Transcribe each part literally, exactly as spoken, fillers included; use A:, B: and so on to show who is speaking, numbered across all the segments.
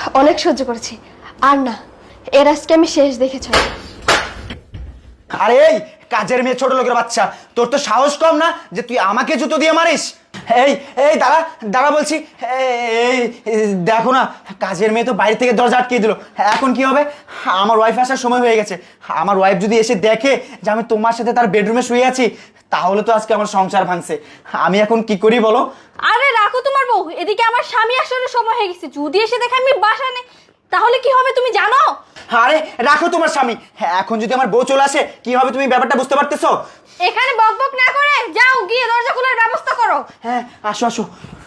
A: অনেক সহ্য করেছি, আর না, এর আজকে আমি শেষ দেখেছি।
B: আরে এই কাজের মেয়ে, ছোট লোকের বাচ্চা, তোর তো সাহস কম না যে তুই আমাকে জুতো দিয়ে মারিস? এই এই দাঁড়া দাঁড়া বলছি। এই দেখো না, কাজের মেয়ে তো বাইরে থেকে দরজা আটকে দিল। এখন কি হবে? আমার ওয়াইফ আসার সময় হয়ে গেছে। আমার ওয়াইফ যদি এসে দেখে যে আমি তোমার সাথে তার বেডরুমে শুয়ে আছি, তাহলে তো আজকে আমার সংসার ভাঙছে। আমি এখন কি করি বলো?
C: আরে রাখো তোমার বউ, এদিকে আমার স্বামী আসার সময় হয়ে গেছে। যদি এসে দেখে আমি বাসা নেই, তাহলে কি হবে তুমি জানো?
B: আরে রাখো তোমার স্বামী। এখন যদি আমার বউ চলে আসে কি হবে তুমি ব্যাপারটা বুঝতে পারতেছো?
C: এখানে বকবক না করে যাও, গিয়ে দরজা খোলার ব্যবস্থা করো।
B: হ্যাঁ আসো আসো।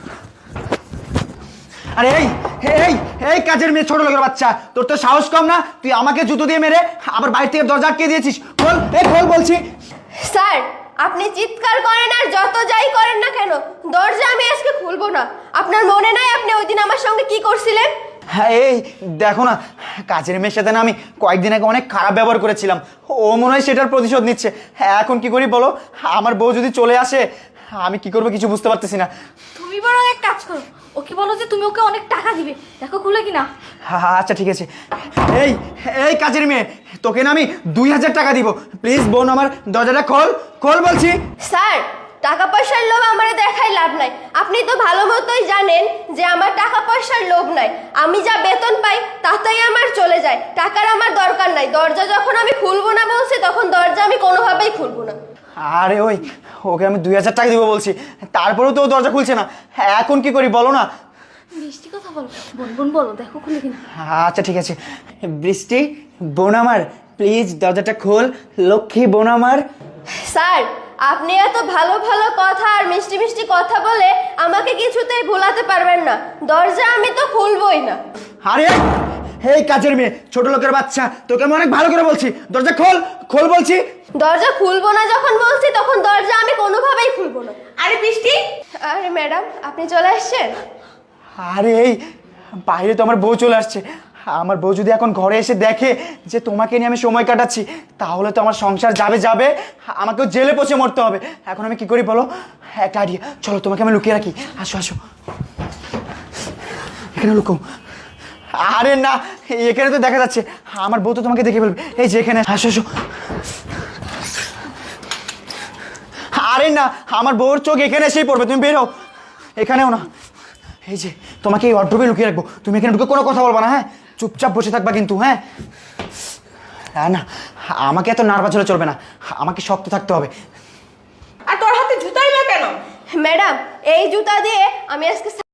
B: আরে এই এই এই কাজের মেয়ে, ছোট লোকের বাচ্চা, তোর তো সাহস কম না? তুই আমাকে জুতো দিয়ে মেরে আবার বাইরে থেকে দরজা আটকে দিয়েছিস। খোল, এই খোল বলছি।
A: স্যার, আপনি চিৎকার করেন আর যত যাই করেন না কেন, দরজা আমি আজকে খুলবো না। আপনার মনে নাই আপনি ওই দিন আমার সঙ্গে কি করছিলেন?
B: হ্যাঁ এই দেখো না, কাজের মেয়ের সাথে না আমি কয়েকদিন আগে অনেক খারাপ ব্যবহার করেছিলাম। ও মনে হয় সেটার প্রতিশোধ নিচ্ছে। হ্যাঁ এখন কি করি বলো? আমার বউ যদি চলে আসে আমি কি করবো কিছু বুঝতে পারতেছি না।
C: তুমি বরং এক কাজ করো, ওকে বলো যে তুমি ওকে অনেক টাকা দিবে, দেখো খুলে কিনা।
B: হ্যাঁ আচ্ছা ঠিক আছে। এই এই কাজের মেয়ে, তোকে না আমি দুই হাজার টাকা দিব। প্লিজ বোন আমার দরজাটা খোল, খোল বলছি।
A: স্যার, টাকা পয়সার লোভ আমারে দেখাই লাভ নাই। আপনি তো ভালো মতোই জানেন যে আমার টাকা পয়সার লোভ নাই। আমি যা বেতন পাই তাতেই আমার চলে যায়, টাকার আমার দরকার নাই। দরজা যখন আমি খুলবো না বলছি, তখন দরজা আমি কোনোভাবেই খুলবো না।
B: আরে ওই ওকে আমি দুই হাজার টাকা দিব বলছি, তারপরেও তো ও দরজা খুলছে না। হ্যাঁ এখন কি করি বলো না?
C: মিষ্টি কথা বলো, বোন বোন বলো, দেখো খুলে কিনা।
B: আচ্ছা ঠিক আছে। বৃষ্টি বোন আমার, প্লিজ দরজাটা খোল, লক্ষ্মী বোন আমার।
A: স্যার, আপনি এত ভালো ভালো কথা আর মিষ্টি মিষ্টি কথা বলে আমাকে কিছুতেই ভোলাতে পারবেন না। দরজা আমি তো খুলবই না।
B: আরে এই কাজের মেয়ে, ছোট লোকের বাচ্চা, তোকে আমি অনেক ভালো করে বলছি, দরজা খোল, খোল বলছি।
A: দরজা খুলবো না যখন বলছি, তখন দরজা আমি কোনোভাবেই খুলবো না।
C: আরে বৃষ্টি,
A: আরে ম্যাডাম, আপনি চলে আসছেন?
B: আরে এই বাইরে তো আমার বউ চলে আসছে। আমার বউ যদি এখন ঘরে এসে দেখে যে তোমাকে নিয়ে আমি সময় কাটাচ্ছি, তাহলে তো আমার সংসার যাবে যাবে, আমাকেও জেলে পচে মরতে হবে। এখন আমি কি করি বলো? একটা আইডিয়া, চলো তোমাকে আমি লুকিয়ে রাখি। আসো আসো, এখানে লুকো। আরে না, এখানে তো দেখা যাচ্ছে, আমার বউ তো তোমাকে দেখে ফেলবে। এই যে এখানে, আসো আসো। আরে না, আমার বউর চোখ এখানে এসেই পড়বে, তুমি বেরো। এখানেও না, এই যে তোমাকে এই ওয়ার্ডরোবে লুকিয়ে রাখবো, তুমি এখানে ঢুকে কোনো কথা বলবা না, হ্যাঁ? চুপচাপ বসে থাকবা কিন্তু, হ্যাঁ? হ্যাঁ না, আমাকে এত নার্ভাস হলে চলবে না, আমাকে শক্ত থাকতে হবে।
C: আর তোর হাতে জুতাই বা কেন?
A: ম্যাডাম, এই জুতা দিয়ে আমি আজকে